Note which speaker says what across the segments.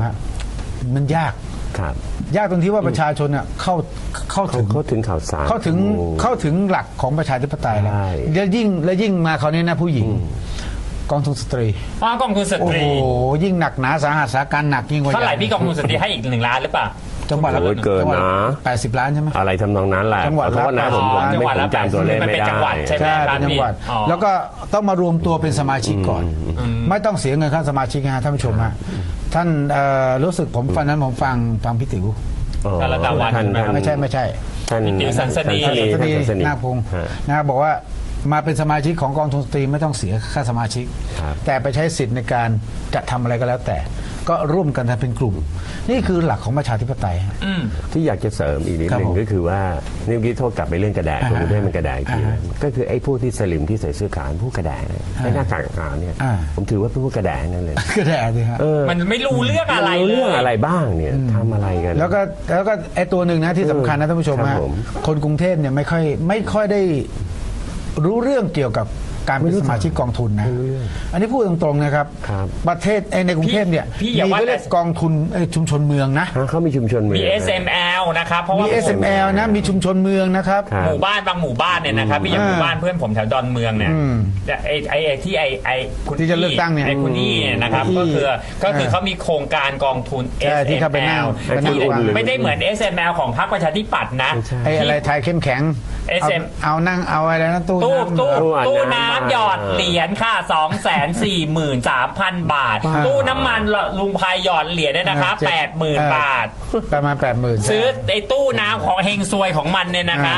Speaker 1: ฮะมันยาก
Speaker 2: ครับ
Speaker 1: ยากตรงที่ว่าประชาชนเข้าถึง
Speaker 2: ข่าวสาร
Speaker 1: เข้าถึงหลักของประชาธิปไตยแล้ว
Speaker 2: ใช่
Speaker 1: แล้วยิ่งมาคราวนี้นะผู้หญิงกองทุนสตรี
Speaker 3: กองทุนส
Speaker 1: โอ้
Speaker 3: ต
Speaker 1: โห
Speaker 3: รี
Speaker 1: ยิ่งหนักหนาสาหัสสาการหนักยิ่งกว่า
Speaker 3: เท่าไหร่พี่กองทุนสตรีให้อีก1 ล้านหรือเปล่า
Speaker 1: จังหวัดละ
Speaker 2: โอ้ยเกินนะ
Speaker 1: 80 ล้านใช่ไหม
Speaker 2: อะไรทำนองนั้นแหละ
Speaker 1: จังหวัดละ
Speaker 2: ขอโทษนะผม
Speaker 3: จังหวัดละ
Speaker 2: จำตัวเลข
Speaker 3: มัน
Speaker 2: ไม่
Speaker 3: เป็น
Speaker 2: ได้
Speaker 3: จังหวัดใช่ไหม
Speaker 1: ใช่เป็นจังหวัด
Speaker 3: อ๋อ
Speaker 1: แล้วก็ต้องมารวมตัวเป็นสมาชิกก่อน ไม่ต้องเสียเงินค่าสมาชิกนะฮะท่านผู้ชมฮะท่านรู้สึกผมฟังนั้นผมฟังพี่ติ๋ว
Speaker 2: อ๋อ
Speaker 3: ท่านระดับวัน
Speaker 2: ท่าน
Speaker 1: ไม่ใช่
Speaker 2: ท่าน
Speaker 3: พี่ติ๋วสันสนี
Speaker 2: ท่าน
Speaker 1: สตรี
Speaker 2: สันสนี
Speaker 1: นาคพงศ์
Speaker 2: ฮะ
Speaker 1: นะครับบอกว่ามาเป็นสมาชิกของกองทุนสตรีไม่ต้องเสียค่าสมาชิก
Speaker 2: ครับ
Speaker 1: แต่ไปใช้สิทธิ์ในการจะทำอะไรก็แล้วแต่ ก็ร่วมกันทำเป็นกลุ่ม นี่คือหลักของประชาธิปไตยฮะ
Speaker 2: ที่อยากจะเสริมอีกนิด
Speaker 1: ครับ
Speaker 2: หนึ่
Speaker 1: ผ
Speaker 2: ง
Speaker 1: ม
Speaker 2: ก็คือว่านี่เมื่อกี้โทษกลับไปเรื่องกระแดะ
Speaker 1: อ่า
Speaker 2: ผมได้มันกระแดะอีกที
Speaker 1: อ่า
Speaker 2: นะก็คือไอ้พวกที่สลิมที่ใส่เสื้อขาวผู้กระแดะเนี่ยไอ้หน้ากากขาวเนี่ย
Speaker 1: อ่า
Speaker 2: ผมถือว่าเป็นพวกกระแดะนั่นเลย
Speaker 1: ก็ได้สิฮะ
Speaker 3: มันไม่รู้เรื่องอะไร
Speaker 2: รู้
Speaker 3: เล
Speaker 2: เรื่อง
Speaker 3: ย
Speaker 2: อะไรบ้างเนี่ยทำอะไรกัน
Speaker 1: แล้วก็ไอ้ตัวหนึ่งนะที่สำคัญนะท่านผู้ชม
Speaker 2: ครั
Speaker 1: ฮะ
Speaker 2: บผม
Speaker 1: คนกรุงเทพเนี่ยไม่ค่อยได้รู้เรื่องเกี่ยวกับการเป็นสมาชิกกองทุนนะ อันนี้พูดตรงๆนะครับ
Speaker 2: ครับ
Speaker 1: ประเทศในกรุงเทพเนี่ย
Speaker 3: พี่อย่า
Speaker 1: มี
Speaker 3: ว่า
Speaker 1: ก็เรียก
Speaker 3: แต่
Speaker 1: กองทุนชุมชนเมืองนะ
Speaker 2: เขามีชุมชนเมือง
Speaker 3: มี SML นะครับเพราะ
Speaker 1: มี
Speaker 3: ว่า
Speaker 1: SML นะมีชุมชนเมืองนะครับ
Speaker 2: ครับ
Speaker 3: หมู่บ้านบางหมู่บ้านเนี่ยนะครับพี่อย่างหมู่บ้านเพื่อนผมแถวดอนเมืองเนี่ยแต่ไอ้ที่ไอ้คุณ
Speaker 1: ที่จะเลือกตั้งเนี่ย
Speaker 3: ไอ้คุณนี่เนี่ยนะครับก็คือเขามีโครงการกองทุน
Speaker 1: ใช่ที่เข้าไปนั่ง
Speaker 3: SML ที่
Speaker 1: ไปนั่ง
Speaker 3: ไม่ได้เหมือน SML ของพรรคประชาธิปัตย์นะ
Speaker 1: ไอ้อะไรไทยเข้มแข็ง
Speaker 3: SM
Speaker 1: เอานั่งเอาอะไรนะตู้
Speaker 3: ตู้
Speaker 1: น้ำ
Speaker 3: น้ำหยอดเหรียญค่ะ 243,000 บาท ตู้น้ำมันลุงพายหยอดเหรียญเนี่ยนะคะ80,000 บาท
Speaker 1: ประมาณ 80,000
Speaker 3: ซื้อไอ้ตู้น้ำของเฮงซวยของมันเนี่ยนะคะ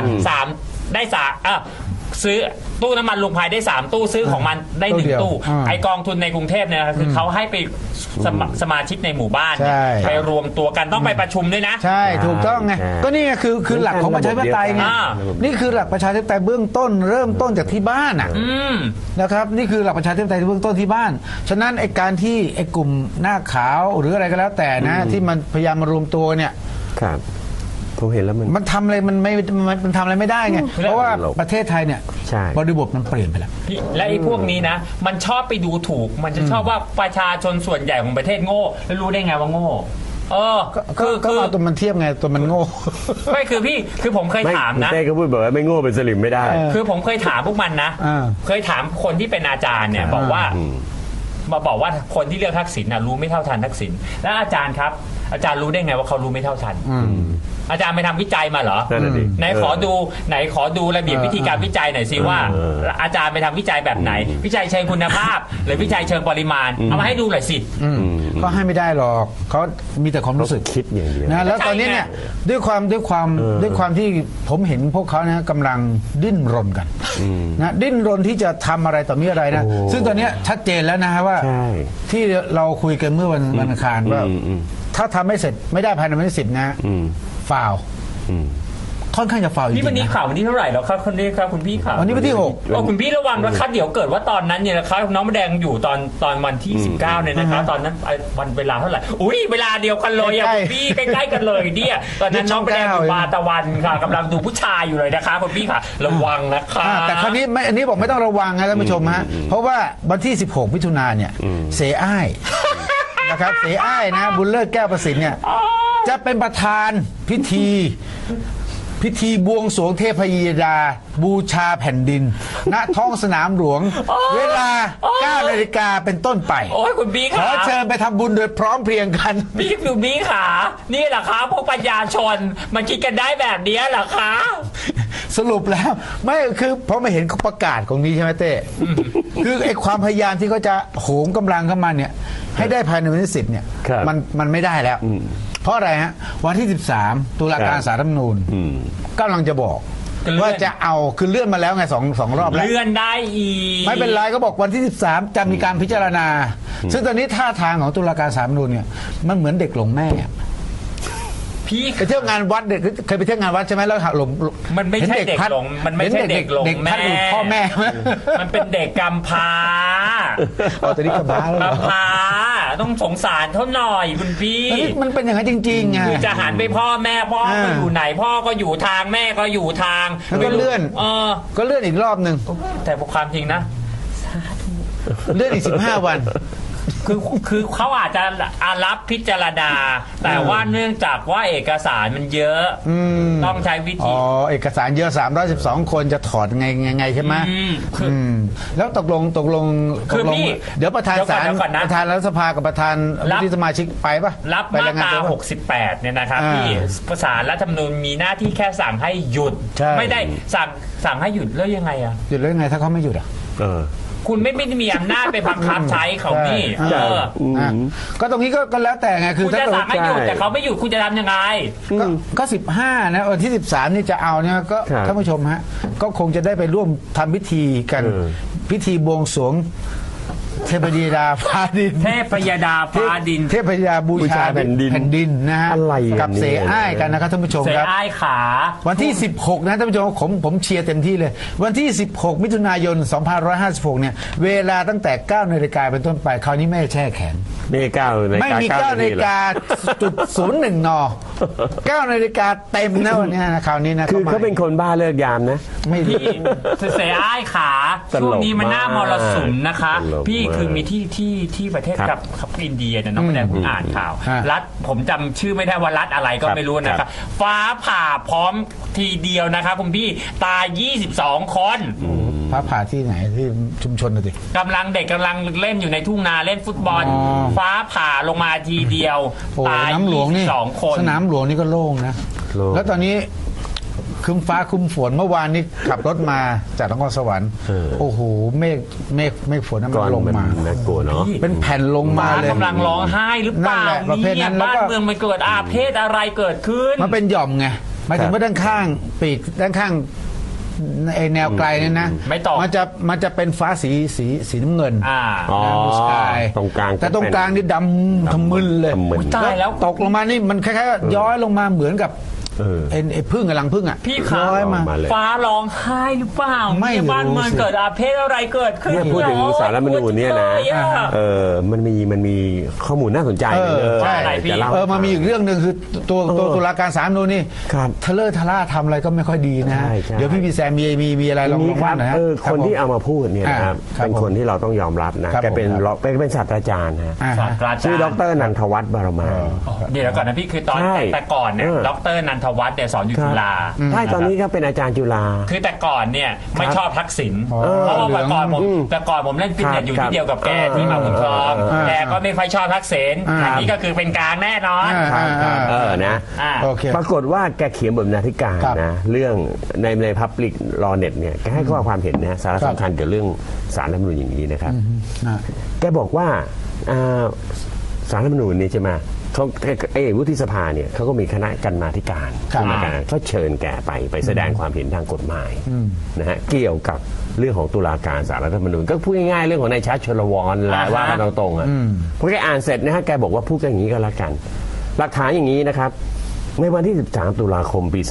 Speaker 3: ซื้อตู้น้ำมันลุงพายได้ 3 ตู้ซื้อของมันได้ 1 ตู้ไอกองทุนในกรุงเทพเนี่ยคือเขาให้ไปสมาชิกในหมู่บ้านเนี่ยไปรวมตัวกันต้องไปประชุมด้วยนะ
Speaker 1: ใช่ถูกต้องไงก็นี่ไงคือหลักของประชาธิปไตยไง นี่คือหลักประชาธิปไตยเบื้องต้นเริ่มต้นจากที่บ้านอ่ะนะครับนี่คือหลักประชาธิปไตยเบื้องต้นที่บ้านฉะนั้นไอ้การที่ไอ้กลุ่มหน้าขาวหรืออะไรก็แล้วแต่นะที่มันพยายามมารวมตัวเนี่ย
Speaker 2: ครับผมเห็นแล้ว
Speaker 1: มันทำอะไรมันทำอะไรไม่ได้ไงเพราะว่าประเทศไทยเนี่ย
Speaker 2: ใช่
Speaker 1: บริบทมันเปลี่ยนไปแล้ว
Speaker 3: และไอ้พวกนี้นะมันชอบไปดูถูกมันจะชอบว่าประชาชนส่วนใหญ่ของประเทศโง่แล้วรู้ได้ไงว่าโง่
Speaker 1: ก็เอาตัวมันเทียบไงตัวมันโง่
Speaker 3: ไม่คือผมเคยถามนะ
Speaker 2: เต้ก็พูดบอกว่าไม่โง่เป็นสลิมไม่ได้
Speaker 3: คือผมเคยถามพวกมันนะเคยถามคนที่เป็นอาจารย์เนี่ยบอกว่ามาบอกว่าคนที่เลือกทักษิณนะรู้ไม่เท่าทันทักษิณแล้วอาจารย์ครับอาจารย์รู้ได้ไงว่าเขารู้ไม่เท่าทันอาจารย์ไปทำวิจัยมาเหรอ
Speaker 2: นั่นน่ะดิ
Speaker 3: ไหนขอดูระเบียบวิธีการวิจัยหน่อยสิว่า อาจารย์ไปทำวิจัยแบบไหน วิจัยเชิงคุณภาพ หรือวิจัยเชิงปริมาณเอามาให้ดูหน่อยสิ
Speaker 1: ก็ให้ไม่ได้หรอกเขามีแต่ความรู้สึก
Speaker 2: คิดอย่างเดียว
Speaker 1: นะแล้วตอนนี้เนี่ยด้วยความที่ผมเห็นพวกเขานะกำลังดิ้นรนกันนะดิ้นรนที่จะทำอะไรต่อมีอะไรนะซึ่งตอนนี้ชัดเจนแล้วนะฮะว่า
Speaker 2: ใช่
Speaker 1: ที่เราคุยกันเมื่อวันอังคารว่าถ้าทำไม่เสร็จไม่ได้ภายในวันที่ 10 นะฟาวค่อนข้างจะฟาวจริงๆ
Speaker 3: นี่วันนี้ข่าววันที่เท่าไหร่แล้วครับคนนี้ครับคุณพี่ข่าว
Speaker 1: วันนี้วันที่
Speaker 3: คุณพี่ระวังนะครับเดี๋ยวเกิดว่าตอนนั้นเนี่ยนะครับน้องแดงอยู่ตอนวันที่ 19เนี่ยนะครับตอนนั้นวันเวลาเท่าไหร่อุ้ยเวลาเดียวกันเลยอะคุณพี่ใกล้ๆกันเลยเนี่ยตอนนั้นน้องแดงอยู่บาตะวันค่ะกำลังดูผู้ชายอยู่เลยนะคะคุณพี่ค่ะระวังนะคะ
Speaker 1: แต่คราวนี้อันนี้บอกไม่ต้องระวังนะท่านผู้ชมฮะเพราะว่าวันที่ 16 มิถุนายนเนี่ยเสอ้ายนะครับเสอ้ายนะบุญเลิศแก้วประสิทธิ์เนี่ยจะเป็นประธานพิธีบวงสรวงเทพยดาบูชาแผ่นดิน ณท้องสนามหลวง เวลา 9 นาฬิกาเป็นต้นไป
Speaker 3: โอ้ยคุณพี่
Speaker 1: ขอ
Speaker 3: ค่ะ
Speaker 1: เชิญไปทำบุญโดยพร้อมเพรียงกัน
Speaker 3: คุณพี่ค่ะนี่แหละคะพวกปัญญาชนมันคิดกันได้แบบนี้เหรอคะ
Speaker 1: สรุปแล้วไม่คือเพราะไม่เห็นเขาประกาศของนี้ใช่ไหมเต้คือไอ้ความพยายามที่เขาจะโหมกำลังเข้ามาเนี่ยให้ได้ภายในวันที่10เนี่ยมันไม่ได้แล้วเพราะอะไรฮะวันที่13ตุลาการศาลรัฐธรรมนูญกำลังจะบอกว่าจะเอาคือเลื่อนมาแล้วไงสองรอบแล้ว
Speaker 3: เลื่อนได้อีก
Speaker 1: ไม่เป็นไรก็บอกวันที่13จะมีการพิจารณาซึ่งตอนนี้ท่าทางของตุลาการศาลรัฐธรรมนูญเนี่ยมันเหมือนเด็กหลงแม่
Speaker 3: พี่
Speaker 1: ไปเที่ยวงานวัดเด็กเคยไปเที่ยวงานวัดใช่ไหมแล้วหลง
Speaker 3: มันไม่ใช่เด็กหลงมันไม่ใช่เด็กหลงแม่
Speaker 1: พ่อแม่
Speaker 3: มันเป็นเด็กกำพร้า
Speaker 1: เอาแต่นี่กำพร้าแล้ว
Speaker 3: กำพร้าต้องสงสารเขาหน่อยคุณพี่
Speaker 1: มันเป็นอย่างนั้นจริงๆไง
Speaker 3: คือจะหันไปพ่อแม่พ่อก็อยู่ไหนพ่อก็อยู่ทางแม่ก็อยู่ทาง
Speaker 1: แล้วก็เลื่อนก็เลื่อนอีกรอบหนึ่ง
Speaker 3: แต่ความจริงนะ
Speaker 1: เลื่อนอีก15 วัน
Speaker 3: คือเขาอาจจะรับพิจารณาแต่ว่าเนื่องจากว่าเอกสารมันเยอะต้องใช้วิ
Speaker 1: อ๋
Speaker 3: ธี
Speaker 1: อเอกสารเยอะ312 คนจะถอดไงใช่ไหมแล้วตกลง
Speaker 3: คือพี่
Speaker 1: เดี๋ยวประธานศาล
Speaker 3: เดี๋ยวก่อนนะ
Speaker 1: ประธานรัฐสภากับประธานวุฒิสมาชิกไปปะ
Speaker 3: รับ
Speaker 1: ไป
Speaker 3: มา
Speaker 1: รงงน
Speaker 3: ตรา
Speaker 1: ตัวปะ
Speaker 3: 68เนี่ยนะครับ
Speaker 1: อ่า
Speaker 3: ที่ศาลรัฐธรรมนูญมีหน้าที่แค่สั่งให้หยุด
Speaker 1: ใช่
Speaker 3: ไม่ได้สั่งให้หยุดแล้วยังไงอ่ะ
Speaker 1: หยุดแล้วยังไงถ้าเขาไม่หยุดอ่ะ
Speaker 3: คุณไม่ได้มีอำนาจไปบังคับใช้เขานี่
Speaker 1: ใช่ ก็ตรงนี้ก็แล้วแต่ไงคือ
Speaker 3: คุณจะสั่งให้หยุดแต่เขาไม่หยุดคุณจะทำยังไง
Speaker 1: ก็15นะวันที่13นี่จะเอาเนี่ยก็
Speaker 2: ครับ
Speaker 1: ท่านผู้ชมฮะก็คงจะได้ไปร่วมทำพิธีกันพิธีบวงสรวงเทพธิดาฟ้าดิน
Speaker 3: เทพยดาฟ้าดิน
Speaker 1: เทพธิดาบูชา
Speaker 2: แผ่นดิน
Speaker 1: นะฮะ
Speaker 2: อะไรอ่ะ
Speaker 1: กับเสอ้ายกันนะครับท่านผู้ชม
Speaker 3: เส
Speaker 1: ครับ
Speaker 3: อ้ายขา
Speaker 1: วันที่ 16 นะท่านผู้ชมผมเชียร์เต็มที่เลย วันที่ 16 มิถุนายน 2556 เนี่ย เวลาตั้งแต่ 9 นาฬิกาเป็นต้นไป คราวนี้ไม่แช่แข็ง
Speaker 2: นี่9 นาฬิ
Speaker 1: ไม่
Speaker 2: กา
Speaker 1: มี 9 นาฬิกาจุด01 น 9 นาฬิกาเต็มนะวันนี้นะคราวนี้นะ
Speaker 2: คือเขาเป็นคนบ้าเลิกยามนะ
Speaker 1: ไม่ดี
Speaker 3: พี่เสอ้ายขา
Speaker 2: ตลก
Speaker 3: ช่วงนี้มันหน้ามรสุมนะคะ
Speaker 2: ตลก
Speaker 3: พี่
Speaker 2: มาก
Speaker 3: คือมีที่ประเทศ
Speaker 2: ครับ
Speaker 3: กับอินเดียเนี่ยน้องแดงผมอ่านข่าว
Speaker 1: ฮะ
Speaker 3: รัฐผมจำชื่อไม่ได้ว่ารัฐอะไรก็
Speaker 2: ครับ
Speaker 3: ไม่รู้นะค
Speaker 2: ครั
Speaker 3: รับบ ฟ้าผ่าพร้อมทีเดียวนะครับคุณพี่ตาย 22 คน
Speaker 1: พระผ่าที่ไหนที่ชุมชนน่ะสิ
Speaker 3: กำลังเด็กกำลังเล่นอยู่ในทุ่งนาเล่นฟุตบอล
Speaker 1: อ๋อ
Speaker 3: ฟ้าผ่าลงมาทีเดียว
Speaker 1: โอ้
Speaker 3: ตาย
Speaker 1: น้ำหลวงนี่
Speaker 3: 22 คน
Speaker 1: สนามหลวงนี่ก็โล่งนะ
Speaker 2: โล่ง
Speaker 1: แล้วตอนนี้ครึ้มฟ้าครึ้มฝนเมื่อวานนี้ขับรถมาจากนครสวรรค์โอ้โหเมฆฝนนั้น
Speaker 2: ก่
Speaker 1: มั
Speaker 2: อน
Speaker 1: นลง
Speaker 2: มัน
Speaker 1: มา
Speaker 2: น่ากลัวเนาะ
Speaker 1: เป็นแผ่นลงมา
Speaker 3: ฟ้า
Speaker 1: เลย
Speaker 3: กำลังร้องไห้หรือเปล่า
Speaker 1: นั่นแหละประเภทนั้นแล้ว
Speaker 3: บ้าน
Speaker 1: ก็
Speaker 3: เมืองมันเกิดอาเพศอะไรเกิดขึ้น
Speaker 1: มันเป็นหย่อมไงหมายถึงว่าด้านข้างปีกด้านข้างไอแนวไกลเนี่ยนะ
Speaker 3: ไม่ตก
Speaker 1: มันจะเป็นฟ้าสีน้ำเงิน
Speaker 3: อ่า
Speaker 2: อ๋อ
Speaker 1: บูสกาย
Speaker 2: ตรงกลาง
Speaker 1: แต่ตรงกลางนี่ดำทะมึนเลย
Speaker 2: ทำมึน
Speaker 3: ตายแล้ว
Speaker 1: ตกลงมานี่มันคล้ายๆย้อยลงมาเหมือนกับ ไอ้พึ่งกับรังพึ่งอ่ะ
Speaker 3: พี่ขา
Speaker 1: ย้อยมา
Speaker 2: ออกมาเลย
Speaker 3: ฟ้าร้องไห้หรือเปล่า
Speaker 1: ไม่
Speaker 3: เนี่ยบ้าน
Speaker 1: รู้
Speaker 3: เมือง
Speaker 1: สิ
Speaker 3: เกิดอาเพศอะไรเกิดขึ้น
Speaker 2: เนี่ยพูดถึงสารรัฐธรรมนูญเนี่ยนะ
Speaker 3: โอ้โหเยอะ
Speaker 2: มันมีข้อมูลน่าสนใจเลย
Speaker 1: ใช่
Speaker 3: อะไรพี่
Speaker 2: จะเล่า
Speaker 1: มันมีอีกเรื่องหนึ่งคือตัวตุลาการศาลรัฐธรรมนูญนี่
Speaker 2: ครับ
Speaker 1: ทะเลอะทะล่าทำอะไรก็ไม่ค่อยดีนะ
Speaker 2: ใช่ใช่
Speaker 1: เดี๋ยวพี่แซมมีอะไรลอง
Speaker 2: นี่ค
Speaker 1: ว่า
Speaker 2: รับ
Speaker 1: หน่อยฮะ
Speaker 2: คนที่เอามาพูดเนี่ยนะครับ
Speaker 1: ครับ
Speaker 2: เป็นคนที่เราต้องยอมรับนะครับ แกเป็น
Speaker 1: ผมครับ
Speaker 2: เป็นศาสตราจารย์นะ
Speaker 1: อ่า
Speaker 3: ศาสตราจารย์
Speaker 2: ชื่อดรนันทวัฒน์บารมา
Speaker 3: เดี๋ยวก่อนนะพี่คือตอน
Speaker 2: ใช่
Speaker 3: แต่ก่อนเนี่ย
Speaker 2: เออ
Speaker 3: ดรนันทวัฒน์เนี่ยสอนอยู่จุฬา
Speaker 2: ใช่ตอนนี้ก็เป็นอาจารย์จุฬา
Speaker 3: คือแต่ก่อนเนี่ยไม่ชอบทักษิณ
Speaker 1: อ๋อ
Speaker 3: เพราะว่า
Speaker 1: เหลื
Speaker 3: แต่
Speaker 1: อง
Speaker 3: ก่อนผมเล่นฟิตเนสอยู่
Speaker 2: ครับ
Speaker 3: ที่เดียวกับแกที่มาบุญครอง
Speaker 1: อ่า
Speaker 3: แกก็ไม่ค่อยชอบทักษิณ
Speaker 1: อ่า
Speaker 3: อันนี้ก็คือเป็นกลางแน่นอน
Speaker 2: นะ
Speaker 3: อ่า
Speaker 1: โอเค
Speaker 2: ปรากฏว่าแกเขียนบทบรรณาธิการ
Speaker 1: ครับ
Speaker 2: นะเรื่องใน Public Law Net เนี่ยแกให้ข้อความเห็นนะสาระ
Speaker 1: ครับ
Speaker 2: สำคัญเกี่ยวกับเรื่องสารรัฐธรรมนูญอย่างนี้นะครับ
Speaker 1: อ่า
Speaker 2: แกบอกว่าสารรัฐธรรมนูญนี่ใช่ไหมเขาวุฒิสภาเนี่ยเขาก็มีคณะกรรมาธิการ
Speaker 1: ครับ
Speaker 2: กรรมาการเขาเชิญแกไปแสดงความเห็นทางกฎหมายนะฮะเกี่ยวกับเรื่องของตุลาการศาลรัฐธรรมนูญก็พูดง่ายๆเรื่องของนายชัดชลวรแหละว่ากันตรงๆอ่ะพอแกอ่านเสร็จนะฮะแกบอกว่าพูดกันอย่างนี้ก็แล้วกัน หลักฐานอย่างนี้นะครับในวันที่ 13 ตุลาคมปี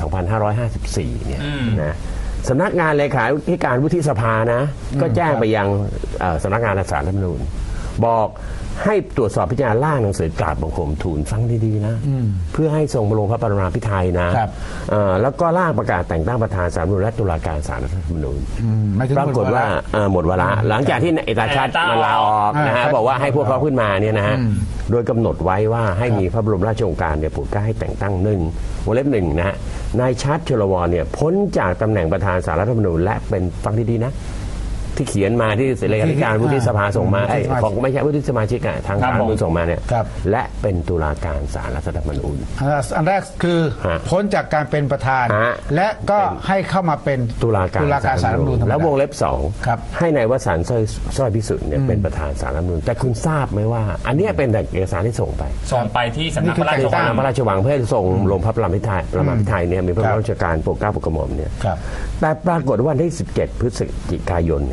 Speaker 2: 2554 เนี่ยนะสำนักงานเลขาธิการวุฒิสภานะก็แจ้งไปยังสำนักงานศาลรัฐธรรมนูญบอกให้ตรวจสอบพิจารณาร่างหนังสือกราบบังคมทูลฟังดีๆนะเพื่อให้ทรงลงพระปรมาภิไธยนะครับแล้วก็ร่างประกาศแต่งตั้งประธานศาลรัฐธรรมนูญและตุลาการศาลรัฐธรรมนูญ
Speaker 1: ไม่ถึง
Speaker 2: ปรากฏว่าหมดเวลาหลังจากที่เอกชัดมันลาออกนะฮะ
Speaker 1: ครับ
Speaker 2: บอกว่าให้พวกเขาขึ้นมาเนี่ยนะฮะโดยกำหนดไว้ว่าให้มีพระบรมราชโองการเนี่ยโปรดเกล้าให้แต่งตั้งวงเล็บหนึ่งนะฮะนายชัดชลวรเนี่ยพ้นจากตำแหน่งประธานศาลรัฐธรรมนูญและเป็นฟังดีๆนะที่เขียนมาที่เลขาธิการวุฒิสภาส่งมาของไม่ใช่วุฒิสมาชิกทางศาลรัฐธรรมนูญส่งมาเนี่ยและเป็นตุลาการศาลรัฐธรรมนูญ
Speaker 1: อันแรกคือ
Speaker 2: ฮะ
Speaker 1: พ้นจากการเป็นประธาน
Speaker 2: ฮะ
Speaker 1: และก็ให้เข้ามาเป็น
Speaker 2: ตุลาการ
Speaker 1: ศาลรัฐธรรมนูญธรรมดา
Speaker 2: แล้ววงเล็บสอง
Speaker 1: ครับ
Speaker 2: ให้นายวสันต์สร้อยพิสุทธิ์เนี่ยเป็นประธานศาลรัฐธรรมนูญแต่คุณทราบไหมว่า อันเนี้ยเป็นแต่เอกสารที่ส่งไป
Speaker 3: ส่งไปที่สำนักพระราช
Speaker 2: ที่
Speaker 3: วั
Speaker 2: ตาง มพระราชวังเพื่อส่งลงพระประมาภิไธยเนี่ยมีพระบรมราชการโปรดเกล้าโปรดกระหม่อมเนี่ย
Speaker 1: ครับ
Speaker 2: แต่ปรากฏว่าวันที่ 17 พฤศจิกายน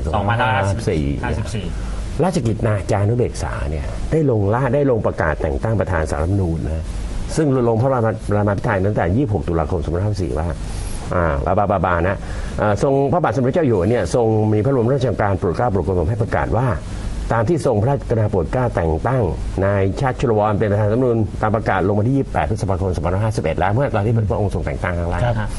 Speaker 3: 2554
Speaker 2: ราชกิจนาจานุเบกษาเนี่ยได้ลงประกาศแต่งตั้งประธานศาลรัฐธรรมนูญนะซึ่งลงพระประมาภิไธยตั้งแต่ 26 ตุลาคม 2554 ว่าบานะทรงพระบาทสมเด็จเจ้าอยู่หัวเนี่ยทรงมีพระบรมราชโองการโปรดเกล้าโปรดกระหม่อมให้ประกาศว่าตามที่ทรงพระราชกรุณาโปรดเกล้าแต่งตั้งนายชาติชลวรเป็นประธานรัฐธรรมนูญตามประกาศลงวันที่ 28 พฤษภาคม 2551 แล้วเมื่อตอนที่พระองค์ทรงแต่งตั้งครั้งแรก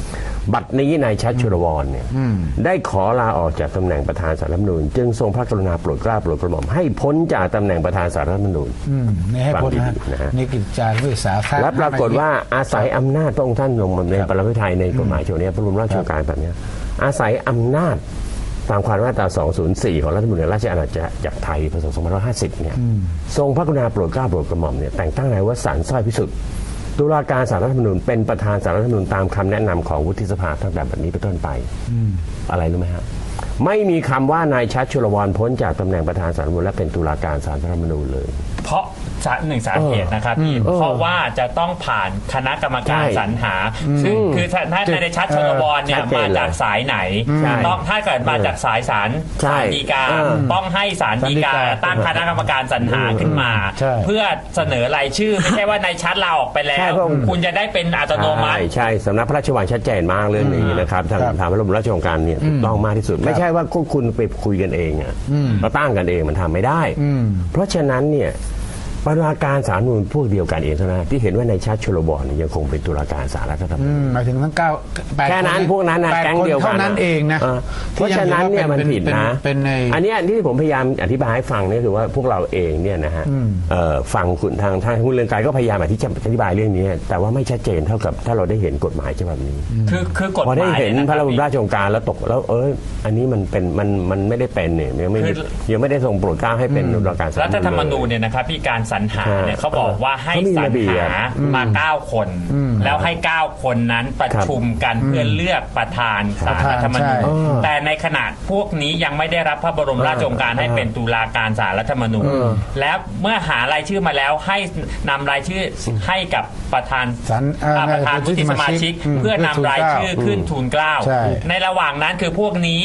Speaker 2: บัดนี้นายชัชชุลวรเนี่ยได้ขอลาออกจากตำแหน่งประธานศาลรัฐธรรมนูญจึงทรงพระกรุณาโปรดเกล้าโปรดกระหม่อมให้พ้นจากตำแหน่งประธานศาลรัฐธรรมนูญ
Speaker 1: นี่ให้พ้น
Speaker 2: ฟังดีๆนะฮะ
Speaker 1: นี่กิจจานุเบกษา
Speaker 2: และปรากฏว่าอาศัยอำนาจพระองค์ท่านลงมาในปรมาภิไธยในกฎหมายฉบับนี้พระบรมราชโองการแบบนี้อาศัยอำนาจตามความมาตรา 204 ของรัฐธรรมนูญแห่งราชอาณาจักรไทยพศ 2550 เนี่ยทรงพระกรุณาโปรดเกล้าโปรดกระหม่อมเนี่ยแต่งตั้งนายวสันต์สร้อยพิสุทธิ์ตุลาการศาลรัฐธรรมนูญเป็นประธานศาลรัฐธรรมนูญตามคำแนะนำของวุฒิสภาตั้งแต่บัดนี้เป็นต้นไปอะไรรู้ไหมฮะไม่มีคำว่านายชัชชุลวรพ้นจากตำแหน่งประธานศาลรัฐธรรมนูญและเป็นตุลาการศาลรัฐธรรมนูญเลย
Speaker 3: เพราะหนึ่งสาเหตุนะครับพี่เพราะว่าจะต้องผ่านคณะกรรมการสรรหาซึ่งคือถ้าในชัดชลวรเนี่ยมาจากสายไหนต้องถ้าเกิดมาจากสายศาลฎีกาต้องให้ศาลฎีกาตั้งคณะกรรมการสรรหาขึ้นมา เพื่อเสนอรายชื่อไม่ใช่ว่าในชัดลาออกไปแล้วคุณจะได้เป็นอัตโนมัติ
Speaker 2: ใช่สำนักพระราชวังชัดเจนมากเรื่องนี้นะครับทางพระบรมราชโองการเนี่ยถูกต้องมากที่สุดไม่ใช่ว่าคุณไปคุยกันเองอ่ะเราตั้งกันเองมันทำไม่ได้เพราะฉะนั้นเนี่ยตุลาการศาลรัฐธรรมนูญพวกเดียวกันเองเท่านั้นที่เห็นว่าในชัชชุลวรเนี่ยยังคงเป็นตุลาการศาลรัฐธรรมนูญ
Speaker 1: หมายถึงทั้ง8
Speaker 2: แค่นั้นพวกนั้นนะแก๊งเดียวกัน
Speaker 1: เท่านั้นเองนะ
Speaker 2: เพราะฉะนั้นเนี่ยมันผิดนะอันนี้ที่ผมพยายามอธิบายให้ฟังเนี่ยคือว่าพวกเราเองเนี่ยนะฮะฟังคุณทางคุณเรืองไกรก็พยายามอธิบายเรื่องนี้แต่ว่าไม่ชัดเจนเท่ากับถ้าเราได้เห็นกฎหมายฉบับนี้
Speaker 3: คือกฎหมาย
Speaker 2: พอได้เห็นพระบรมราชโองการแล้วตกแล้วอันนี้มันเป็นมันไม่ได้เป็นเนี่ยยังไม่ได้ทรงโปรดเกล้าให้เป็นตุลาการศาลรัฐธรรมนูญ
Speaker 3: เนี่ยนะครับพี่การสรรหาเนี่ยเขาบอกว่าให้สรรหามา9 คนแล้วให้9 คนนั้นประชุมกันเพื่อเลือกประธานศาลรัฐธรรมนูญแต่ในขณะพวกนี้ยังไม่ได้รับพระบรมราชโองการให้เป็นตุลาการศาลรัฐธรรมนูญแล้วเมื่อหารายชื่อมาแล้วให้นำรายชื่อให้กับประธานวุฒิสมาชิกเพื่อนำรายชื่อขึ้นทูลเกล้าในระหว่างนั้นคือพวกนี้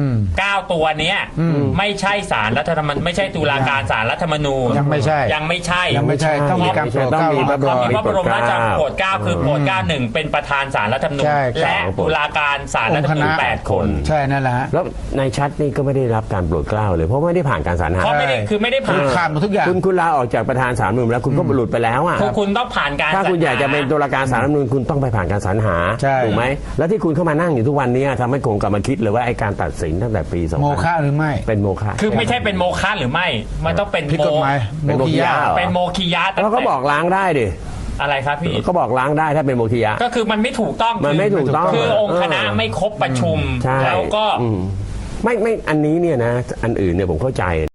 Speaker 3: 9 ตัวเนี้ยไม่ใช่ศาลรัฐธรรมนูญไม่ใช่ตุลาการศาลรัฐธรรมนูญ
Speaker 1: ยังไม่ใช่ต้องมีการโปรดเกล้า
Speaker 3: พระบรมราชโปรดเกล้าคือโปรดเกล้า1เป็นประธานศาลรัฐธรรมนูญและตุลาการศาลรัฐธรรมนูญ8 คน
Speaker 1: ใช่นั่นแหละฮะ
Speaker 2: แล้วนายชัดนี่ก็ไม่ได้รับการโปรดเกล้าเลยเพราะไม่ได้ผ่านการสรรหา
Speaker 3: คือไม่ได้ผ่าน
Speaker 1: หมดทุกอย่าง
Speaker 2: คุณลาออกจากประธานศาลรัฐธรรมนูญแล้วคุณก็หลุดไปแล้วอ่ะ
Speaker 3: คุณต้องผ่านการ
Speaker 2: ถ้าคุณอยากจะเป็นตุลาการศาลรัฐธรรมนูญคุณต้องไปผ่านการสรรหาถูกไหมแล้วที่คุณเข้ามานั่งอยู่ทุกวันนี้ทำให้ผมกลับมาคิดเลยว่าไอ้การตัดสินตั้งแต่ปี2000
Speaker 1: โมฆะหรือไม่
Speaker 2: เป็นโมฆะ
Speaker 3: คือไม่ใช่เป็นโมฆะหรือไม่มันต้องเป็น
Speaker 1: โมฆะ
Speaker 3: เป็นโมฆะ
Speaker 2: แล้วก็บอกล้างได้ดิ
Speaker 3: อะไรครับพี่
Speaker 2: ก็บอกล้างได้ถ้าเป็นโมฆะ
Speaker 3: ก็คือมันไม่ถูกต้อง
Speaker 2: มันไม่ถูกต้อง
Speaker 3: คือองค์คณะไม่ครบประชุมแล้วก็
Speaker 2: ไม่อันนี้เนี่ยนะอันอื่นเนี่ยผมเข้าใจ